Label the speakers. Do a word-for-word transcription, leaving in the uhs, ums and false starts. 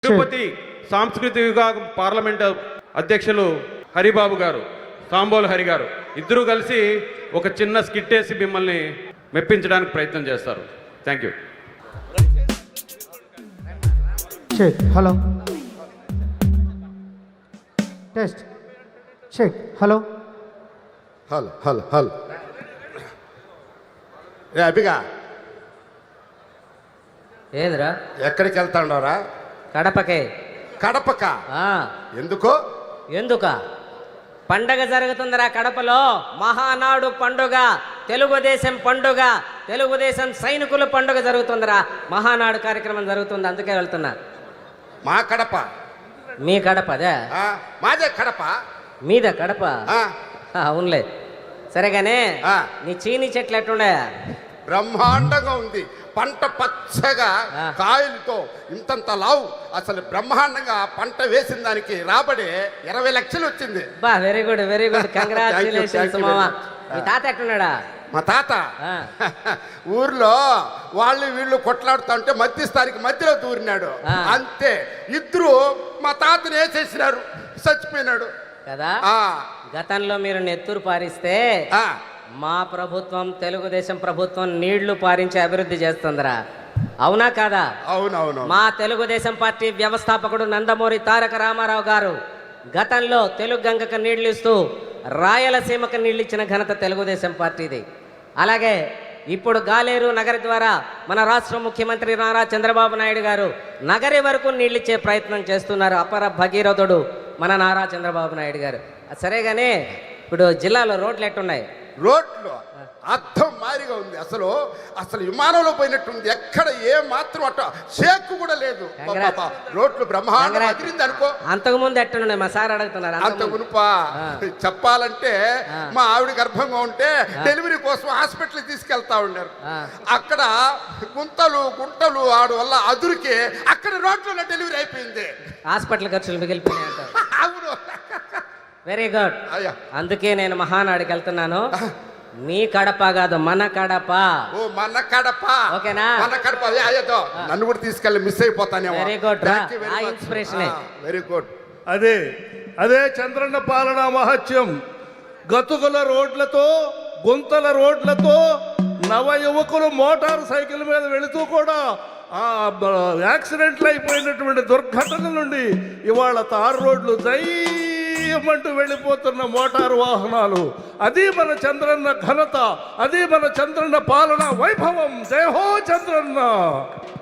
Speaker 1: తిరుపతి సాంస్కృతిక విభాగం పార్లమెంట్ అధ్యక్షులు హరిబాబు గారు, సాంబోలు హరి గారు ఇద్దరూ కలిసి ఒక చిన్న స్కిట్ వేసి మిమ్మల్ని మెప్పించడానికి ప్రయత్నం చేస్తారు. Thank you.
Speaker 2: Check. Hello test. Check. Hello
Speaker 3: hello hello hello ఏ అభిగా
Speaker 4: ఏంద్రా?
Speaker 3: ఎక్కడికి వెళ్తాండవరా?
Speaker 4: కడపకే.
Speaker 3: కడపక?
Speaker 4: ఆ,
Speaker 3: ఎందుకో?
Speaker 4: ఎందుక? పండగ జరుగుతుందిరా కడపలో. మహానాడు పండుగ, తెలుగుదేశం పండుగ, తెలుగుదేశం సైనికుల పండుగ జరుగుతుందిరా. మహానాడు కార్యక్రమం జరుగుతుంది, అందుకే వెళ్తున్నా.
Speaker 3: మా కడప?
Speaker 4: మీ కడప అదే?
Speaker 3: ఆ, మాదే కడప.
Speaker 4: మీద కడప?
Speaker 3: ఆ,
Speaker 4: అవునులే. సరేగానే
Speaker 3: ఆ.
Speaker 4: నీ చీని చెట్లు ఎట్లుండే?
Speaker 3: బ్రహ్మాండంగా ఉంది. పంట పచ్చగా
Speaker 4: ఆ.
Speaker 3: కాయలతో ఇంతంత లావు. అసలు బ్రహ్మాండంగా పంట వేసిన దానికి రాబడి ఇరవై లక్షలు వచ్చింది.
Speaker 4: బా, very good very good,
Speaker 3: Thank you,
Speaker 4: congratulations
Speaker 3: thank you
Speaker 4: మామ.
Speaker 3: very much.
Speaker 4: మీ తాత ఎట్లున్నాడా?
Speaker 3: మా తాత
Speaker 4: ఆ.
Speaker 3: ఊర్లో వాళ్ళు వీళ్ళు కొట్లాడుతా ఉంటే మధ్యస్థానికి మధ్యలో దూరినాడు.
Speaker 4: ఆ.
Speaker 3: అంతే, ఇద్దరు మా తాతని వేసేసినారు, చచ్చిపోయినాడు
Speaker 4: కదా.
Speaker 3: ఆ
Speaker 4: గతంలో మీరు నెత్తురు పారిస్తే
Speaker 3: ఆ.
Speaker 4: మా ప్రభుత్వం, తెలుగుదేశం ప్రభుత్వం నీళ్లు పారించి అభివృద్ధి చేస్తుందిరా. అవునా కాదా?
Speaker 3: అవునవును.
Speaker 4: మా తెలుగుదేశం పార్టీ వ్యవస్థాపకుడు నందమూరి తారక రామారావు గారు గతంలో తెలుగు గంగకు నీళ్లు ఇస్తూ రాయలసీమకు నీళ్ళు ఇచ్చిన ఘనత తెలుగుదేశం పార్టీది. అలాగే ఇప్పుడు గాలేరు నగరి ద్వారా మన రాష్ట్ర ముఖ్యమంత్రి నారా చంద్రబాబు నాయుడు గారు నగరి వరకు నీళ్ళిచ్చే ప్రయత్నం చేస్తున్నారు. అపర భగీరథుడు మన నారా చంద్రబాబు నాయుడు గారు. సరేగానే ఇప్పుడు జిల్లాలో రోడ్లు ఎట్టున్నాయి?
Speaker 3: రోడ్లు అర్థం మారిగా ఉంది. అసలు అసలు విమానంలో పోయినట్టుంది. ఎక్కడ ఏ మాత్రం అట్ట షేక్ కూడా లేదు.
Speaker 4: Congrats.
Speaker 3: పాపా, రోడ్లు బ్రహ్మాండం
Speaker 4: Congrats.
Speaker 3: అదిరింది అనుకో.
Speaker 4: అంతకుముందు ఎట్టున్నాయి? మా సార్ అడుగుతున్నారు.
Speaker 3: అంత
Speaker 4: అంతకుముందు.
Speaker 3: ఉనుపా
Speaker 4: ఆ.
Speaker 3: చెప్పాలంటే
Speaker 4: ఆ.
Speaker 3: మా ఆవిడ గర్భంగా ఉంటే డెలివరీ కోసం హాస్పిటల్ తీసుకెళ్తా ఉన్నారు.
Speaker 4: ఆ.
Speaker 3: అక్కడ గుంతలు గుంటలు ఆడు వల్ల అదురికి అక్కడ రోడ్లలో డెలివరీ అయిపోయింది.
Speaker 4: హాస్పిటల్ ఖర్చులు మిగిలిపోయినాయి అంటారు.
Speaker 3: అవును.
Speaker 4: Very good.
Speaker 3: అయ్యా,
Speaker 4: అందుకే నేను మహానాడికి వెళ్తున్నాను. మీ కడప కాదు, మన కడప.
Speaker 3: ఓ మన కడప.
Speaker 4: ఓకేనా?
Speaker 3: మన కడప. అదే అయ్యతో నన్ను కూడా తీసుకెళ్ళి మిస్ అయిపోతానేమో.
Speaker 4: Very good రా.
Speaker 3: Thank you very
Speaker 4: ఆ
Speaker 3: much.
Speaker 4: inspiration ఏ.
Speaker 3: ఆ, very good.
Speaker 5: అదే అదే చంద్రన్న పాలన మహత్యం. గతుకుల రోడ్లతో, గుంతల రోడ్లతో నవ యువకులు మోటార్ సైకిల్ మీద వెళుతూ కూడా ఆ యాక్సిడెంట్లు అయిపోయినటువంటి దుర్ఘటన నుండి ఇవాళ తారు రోడ్లు దయ్యమంటూ వెళ్ళిపోతున్న మోటారు వాహనాలు. అది మన చంద్రన్న ఘనత, అది మన చంద్రన్న పాలన వైభవం. జై హో చంద్రన్న.